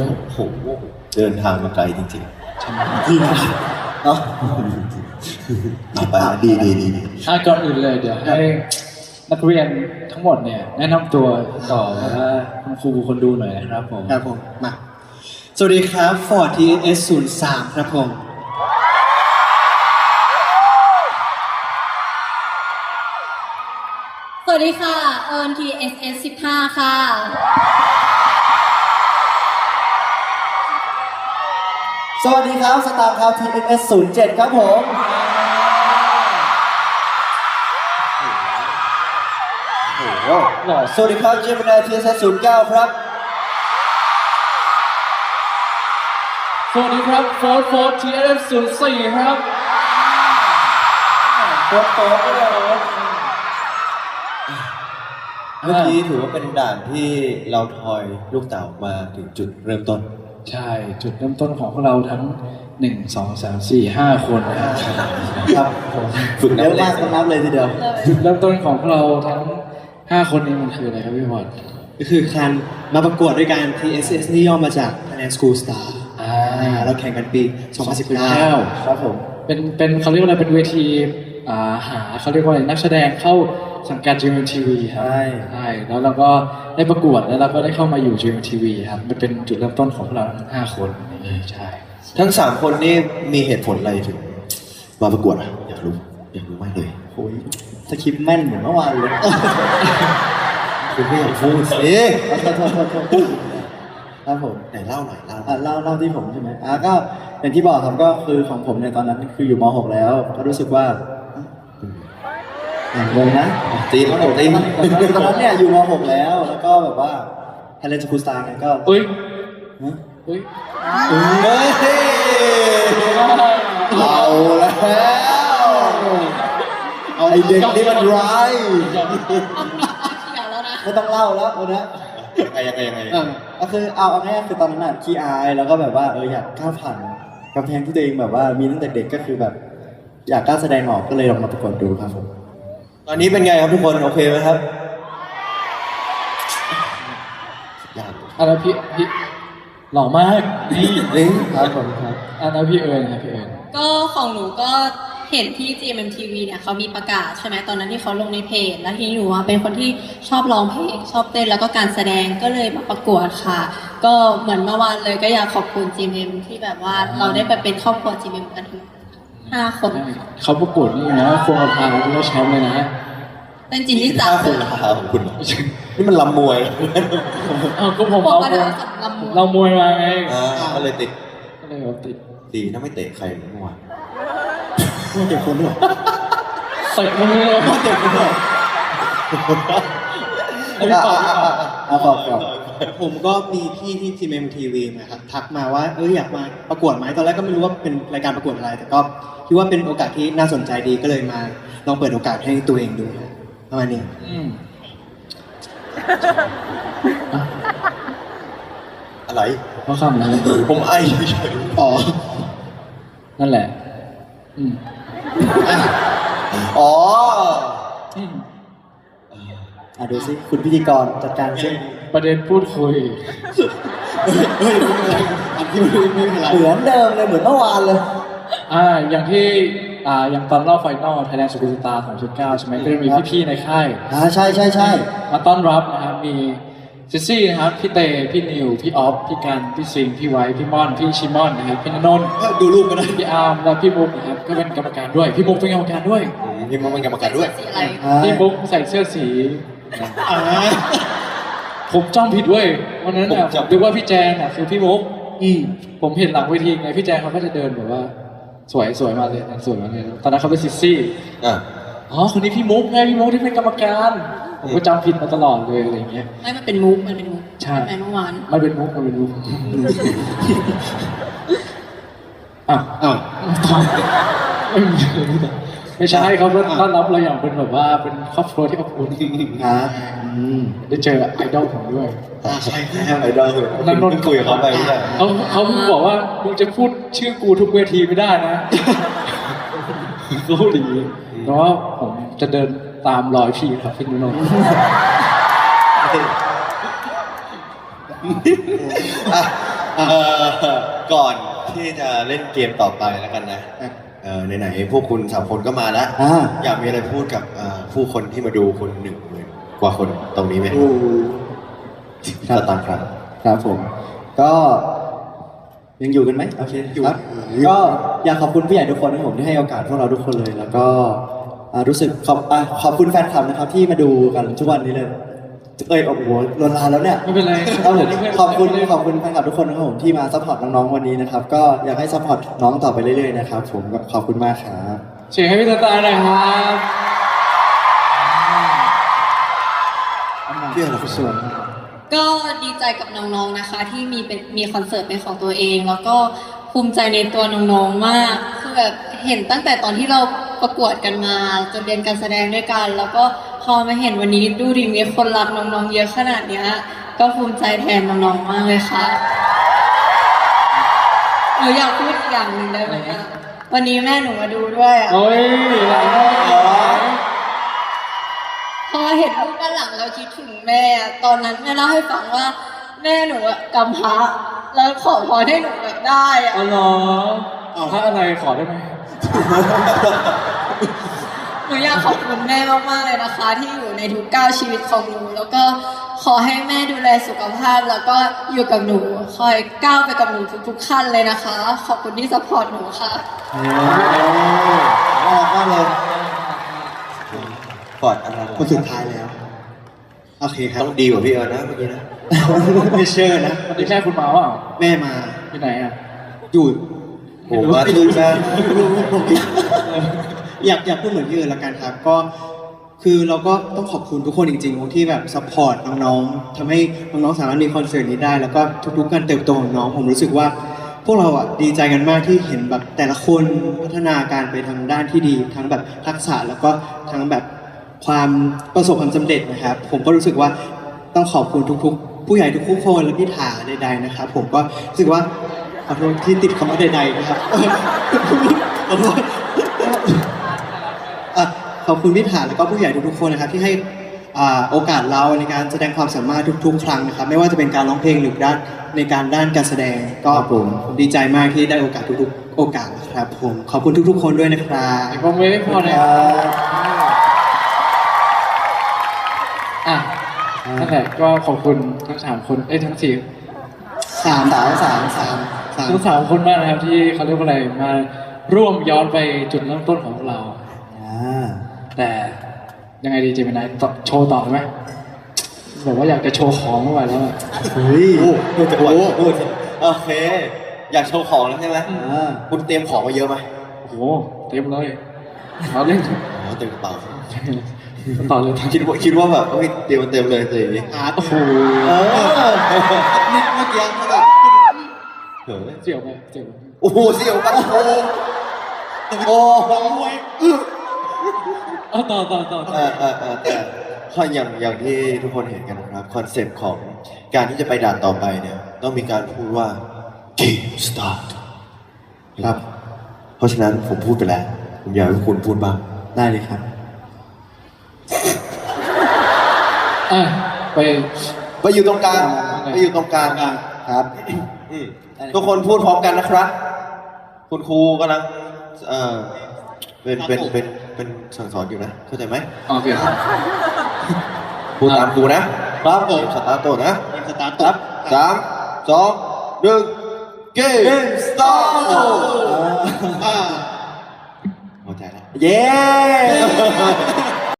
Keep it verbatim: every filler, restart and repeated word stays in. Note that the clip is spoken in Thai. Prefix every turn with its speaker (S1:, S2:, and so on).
S1: ด้วยโอ้โหเดินทางมาไกลจริงๆจริงเนาะเอาไปดีดีดี
S2: อ่ะก่อนอื่นเลยเดี๋ยวให้นักเรียนทั้งหมดเนี่ยแนะนำตัวต่อว่าคุณครูคนดูหน่อยนะครับผม
S3: ครับผมมาสวัสดีครับ Ford ที เอส ศูนย์ สาม ครับผม
S4: สวัสดีค่ะเอิร์น ที เอส เอส สิบห้า ค่ะ
S1: สวัสดีครับสตาร์ครับ ที เอส ศูนย์ เจ็ด ครับผมโอ้โหสวัสดีครับเจมินาย ที เอส ศูนย์ เก้า ครับ
S2: สวัสดีครับโฟร์ โฟร์ ที เอส ศูนย์ สี่ ครับ
S1: โฟร์ โฟร์ ด้วยเมื่อกี้ถือว่าเป็นด่านที่เราทอยลูกเต๋ามาถึงจุดเริ่มต้น
S2: ใช่จุดเริ่มต้นของพวกเราทั้งหนึ่ง สอง สาม สี่ ห้าคนนะครับ
S1: ผมฝึกเยอะมากต้องนับเลยทีเดียว
S2: จุดเริ่มต้นของพวกเราทั้งห้าคนนี้มันคืออะไรครับพี่บอล
S3: ก็คือการมาประกวดด้วยกัน ที เอส เอส นี่ย่อมาจาก Thailand School Star อ่าเราแข่งกันปีสองพันสิบเก้า
S2: ครับผมเป็นเป็นเขาเรียกว่าอะไรเป็นเวทีอ่าหาเขาเรียกว่าอะไรนักแสดงเข้าสังกัด จี เอ็ม ที วี ครับใช่ใช่แล้วเราก็ได้ประกวดแล้วเราก็ได้เข้ามาอยู่ จี เอ็ม ที วี ครับมันเป็นจุดเริ่มต้นของเราทั้งห้าคนใช่
S1: ทั้งสามคนนี่มีเหตุผลอะไรถึงมาประกวดอ่ะอยากรู้อยากรู้มากเลย
S3: โอ้ยสคริปต์แม่นเหมือนเมื่อวานเลย
S1: คุณไม่อยากพูดสิ
S3: ครับผม
S1: ไหนเล่าหน่อยเล่า
S3: เล่าเล่าที่ผมใช่ไหมอ่ะก็อย่างที่บอกครับก็คือของผมในตอนนั้นคืออยู่ม หก แล้วก็รู้สึกว่าอย่างงงนะ
S1: ตีมผมตีม
S3: ตอนนั้นเนี่ยอยู่ม หก แล้วแล้วก็แบบว่า Thailand School Star เนี่ยก็
S2: เฮ้ยเฮ้ย
S1: เฮ้ยเอาแล้วเอาไอเด็กนี่มันร้าย
S3: ไม่ต้องเล่าแล้ววันนี้
S1: ยังไงยังไง
S3: ก็คือเอาเอาง่ายคือตอนนั้นน่ะขี้อายแล้วก็แบบว่าเอออยากก้าวผ่านกำแพงที่ตัวเองแบบว่ามีตั้งแต่เด็กก็คือแบบอยากกล้าแสดงออกก็เลยลองมาประกวดดูครับผม
S1: ตอนนี้เป็นไงครับทุกคนโอเคไหมครับ
S2: ยากอันนั้นพี่พี่หล่อมากนี่
S1: ลิงครับผมครับ
S2: อันนั้นพี่เอิญครับพี่เอิญ
S4: ก็ของหนูก็เห็นที่ จี เอ็ม ที วี เนี่ยเขามีประกาศใช่ไหมตอนนั้นที่เขาลงในเพจแล้วทีนี้หนูเป็นคนที่ชอบร้องเพลงชอบเต้นแล้วก็การแสดงก็เลยมาประกวดค่ะก็เหมือนเมื่อวานเลยก็อยากขอบคุณ จี เอ็ม ที่แบบว่าเราได้ไปเป็นครอบครัว จี เอ็ม กันถึงห้าคน
S2: เขาประกวดนี่นะควงกระพาที่ได้แชมป์เลยนะ
S4: เป็นจริงที่จับ
S1: คุณราคาของคุณนี่มันลำมวย
S2: อ้าวก็ผมเอาเรามวยมาไง
S1: ก็เลยติด
S2: ก็เลยติด
S1: ดีถ้าไม่เตะใครเมื่อวาน
S3: ไม่เตะคนด้วย
S2: เตะมันเลย
S3: ไม่เตะคนด้วยเอาบอกก่อนผมก็มีพี่ที่ จี เอ็ม ที วี นะครับทักมาว่าเอออยากมาประกวดไหมตอนแรกก็ไม่รู้ว่าเป็นรายการประกวดอะไรแต่ก็คิดว่าเป็นโอกาสที่น่าสนใจดีก็เลยมาลองเปิดโอกาสให้ตัวเองดูประมาณนี้
S1: อะไร
S2: เพราะคำนั้น
S1: ผมไอเฉย
S3: อ๋อ
S2: นั่นแหละอืม
S1: อ๋อ
S3: อ่ะดูสิคุณพิธีกรจัดการซิ
S2: ประเด็นพูดคุย
S3: เฮ้ยอันที่ไม่ไม่เป็นไรเหมือนเดิมเลยเหมือนเมื่อวานเลย
S2: อ่าอย่างที่อ่าอย่างตอนรอบไฟนอล Thailand School Star สองพันสิบเก้าใช่ไหมก็จะมีพี่ๆในค่าย
S3: อ่าใช่ใช่ใช่
S2: มาต้อนรับนะครับมีซิซี่นะครับพี่เตพี่นิวพี่ออฟพี่กันพี่ซิงพี่ไวพี่ม่อนพี่ชิมอนนะครับพี่นนท์
S3: ดูรูปกันได้
S2: พี่อาร์มและพี่มุกนะครับก็เป็นกรรมการด้วยพี่มุกเป็นกรรมการด้วย
S1: พี่มุกเป็นกรรมการด้วย
S2: พี่มุกใส่เสื้อสีผมจำผิดด้วยวันนั้นเนี่ยผมนึกว่าพี่แจงอ่ะคือพี่มุกผมเห็นหลังเวทีไงพี่แจงเขาก็จะเดินแบบว่าสวยสวยมาเลยสวยมาเลยตอนนั้นเขาเป็นซิซี่อ๋อคนนี้พี่มุกไงพี่มุกที่เป็นกรรมการผมก็จำผิดมาตลอดเลยอะไรเงี้ย
S4: ไม่มันเป็นมุกมันเป็นมุก
S2: ใช่
S4: เมื่อวาน
S2: มันเป็นมุกมันเป็นมุกอ้าว
S3: อ้าว
S2: ไม่ใช่เขาต้อนรับเราอย่างเป็นแบบว่าเป็นครอบครัวที่อบอุ่น
S3: นะ
S2: ได้เจอไอดอลผมด้วย
S3: ใช่ครับ
S1: ไอดอล
S2: นั่งนน
S1: คุยกับเขาไป
S2: เขาเขาบอกว่ามึงจะพูดชื่อกูทุกเวทีไม่ได้นะก็ดีเพราะว่าผมจะเดินตามรอยพี่ครับพี่นุ่น
S1: ถเอ่อก่อนที่จะเล่นเกมต่อไปแล้วกันนะเออไหนๆพวกคุณสามคนก็มาแล้ว
S3: อ่า
S1: อยากมีอะไรพูดกับเอ่อผู้คนที่มาดูคุณหนึ่งหมื่นกว่าคนตรงนี้ไหม
S3: ครั
S1: ส
S3: บ
S1: ตางค์ครับ
S3: ครับผม ก็ยังอยู่กันไหมโอเคอยู่ครับก็อยากขอบคุณผู้ใหญ่ทุกคนนะครับผมที่ให้โอกาสพวกเราทุกคนเลย แล้วก็อ่ารู้สึกขอบอ่าขอบคุณแฟนคลับนะครับที่มาดูกันทุกวันนี้เลยเอ้ยโอ้โหลวนลานแล้วเนี่ย
S2: ไม่เป็นไร
S3: ครับผมขอบคุณขอบคุณแฟนคลับทุกคนนะครับผมที่มาซัพพอร์ตน้องๆวันนี้นะครับ ก็อยากให้ซัพพอร์ตน้องต่อไปเรื่อยๆนะครับผมก็ขอบคุณมากครับ
S2: เสียงให้พี่ตาตาหน่อยครับ
S1: เพื่อนเรา
S2: สวย
S4: ก็ดีใจกับน้องๆนะคะ ที่มีเป็นมีคอนเสิร์ตเป็นของตัวเอง แล้วก็ภูมิใจในตัวน้องๆมากคือแบบเห็นตั้งแต่ตอนที่เราประกวดกันมาจนเรียนการแสดงด้วยกัน แล้วก็พอมาเห็นวันนี้ดูดิมีคนรักน้องๆเยอะขนาดเนี้ยก็ภูมิใจแทนน้องๆมากเลยค่ะหนูอยากพูดอีกอย่างหนึ่งได้ไหมอะวันนี้แม่หนูมาดูด้วยอะ
S2: โอ้ยหลายรอบเลย
S4: พอเห็นรูปด้านหลังเราคิดถึงแม่อะตอนนั้นแม่เล่าให้ฟังว่าแม่หนูอะกำพร้าแล้วขอพรให้หนูแบบได้อะ
S2: อ๋อเหรอเอาถ้าอะไรขอได้ไหม
S4: หนูอยากขอบคุณแม่มากๆเลยนะคะ ที่อยู่ในทุกก้าวชีวิตของหนู แล้วก็ขอให้แม่ดูแลสุขภาพ แล้วก็อยู่กับหนูคอยก้าวไปกับหนูทุกๆขั้นเลยนะคะ ขอบคุณที่ซัพพอร์ตหนูค่ะ
S3: โอ้น่ารักมากเลย
S1: กอดอะไร
S3: คนสุดท้ายแล้วโอเคครับ
S1: ต้องดีกว่าพี่เอิร์นนะเมื่อกี้นะ
S3: ไม่เชื่อนะ
S2: วันนี้แม่คุณมาเปล่า
S3: แม่มา
S2: ที่ไหนอ่ะ
S3: อยู่
S1: ผมว่าทุกท่าน
S3: อยากอยากพูดเหมือนพี่เอิญละกันครับ ก็คือเราก็ต้องขอบคุณทุกคนจริงๆที่แบบซัพพอร์ตน้องๆทำให้น้องๆสามารถมีคอนเสิร์ตนี้ได้ แล้วก็ทุกๆการเติบโตของน้องผมรู้สึกว่า พวกเราอ่ะดีใจกันมากที่เห็นแบบแต่ละคนพัฒนาการไปทางด้านที่ดี ทั้งแบบทักษะแล้วก็ทั้งแบบความประสบความสำเร็จนะครับ ผมก็รู้สึกว่าต้องขอบคุณทุกๆ ผู้ใหญ่ทุกๆคนและพี่ถาใดๆนะครับ ผมก็รู้สึกว่าขอโทษที่ติดคำว่าใดๆนะครับ ขอโทษ อ่ะขอบคุณพี่ถาแล้วก็ผู้ใหญ่ทุกๆคนนะครับ ที่ให้อ่าโอกาสเราในการแสดงความสามารถทุกๆ ครั้งนะครับ ไม่ว่าจะเป็นการร้องเพลงหรือด้านในการด้านการแสดงก็ผมดีใจมากที่ได้โอกาสทุกๆ โอกาสนะครับ ผมขอบคุณทุกๆ คนด้วยนะครับ
S2: แต่ผมไม่พอเลยอ่ะนั่นแหละก็ขอบคุณทั้งสามคนเอ้ยทั้งสี่
S3: สามสามสามสามสาม
S2: ทั้งสามคนมากนะครับที่เขาเรียกว่าอะไรมาร่วมย้อนไปจุดเริ่มต้นของพวกเรา
S3: อ่า
S2: แต่ยังไงดีเจมินายต่อโชว์ต่อไหมบอกว่าอยากจะโชว์ของเมื่อไหร่แล้วอะ
S3: เฮ้ย
S1: โอ้โหจะอวดพูดโอเค อยากโชว์ของแล้วใช่ไหม
S3: อ่า
S1: คุณเตรียมของมาเยอะไหม
S2: โอ้โหเต็มเลยเราเล่น
S1: อ๋อเต็มกระเป๋า
S2: ต่อเลย
S1: คิดว่าคิดว่าแบบเฮ้ยเตรียมมาเต็มเลยแต่อย่างนี้
S3: อาร์ต
S2: โอ้โห
S1: เออ
S3: เมื่อกี้เขาแบบ
S1: เฮ้ย
S2: เสี่ยวไปเสี่ยวไป
S1: โอ้โหเสี่ยวกันโอ้โหโอ้โห
S2: เอาต่อต่อต่อต่อ
S1: เออเออเออแต่ข้ออย่างอย่างที่ทุกคนเห็นกันนะครับคอนเซปต์ของการที่จะไปด่านต่อไปเนี่ย ต้องมีการพูดว่า Game Start ครับ เพราะฉะนั้นผมพูดไปแล้ว ผมอยากให้คุณพูดบ้าง
S3: ได้เลยครับ
S2: อ่ะไป
S1: ไปอยู่ตรงกลางไปอยู่ตรงกลาง
S3: ครับ
S1: อืมทุกคนพูดพร้อมกันนะครับ คุณครูกำลังเอ่อเป็นเป็นเป็นเป็นสั่งสอนอยู่นะเข้าใจไหม
S2: โอเค
S1: พูดตามครูนะครับผมสตาร์ทตัวนะ
S3: สตาร์ท
S1: ครับสามสองหนึ่งเกมสตาร์ท
S3: อ่า
S1: พอใจแล้ว
S3: เย้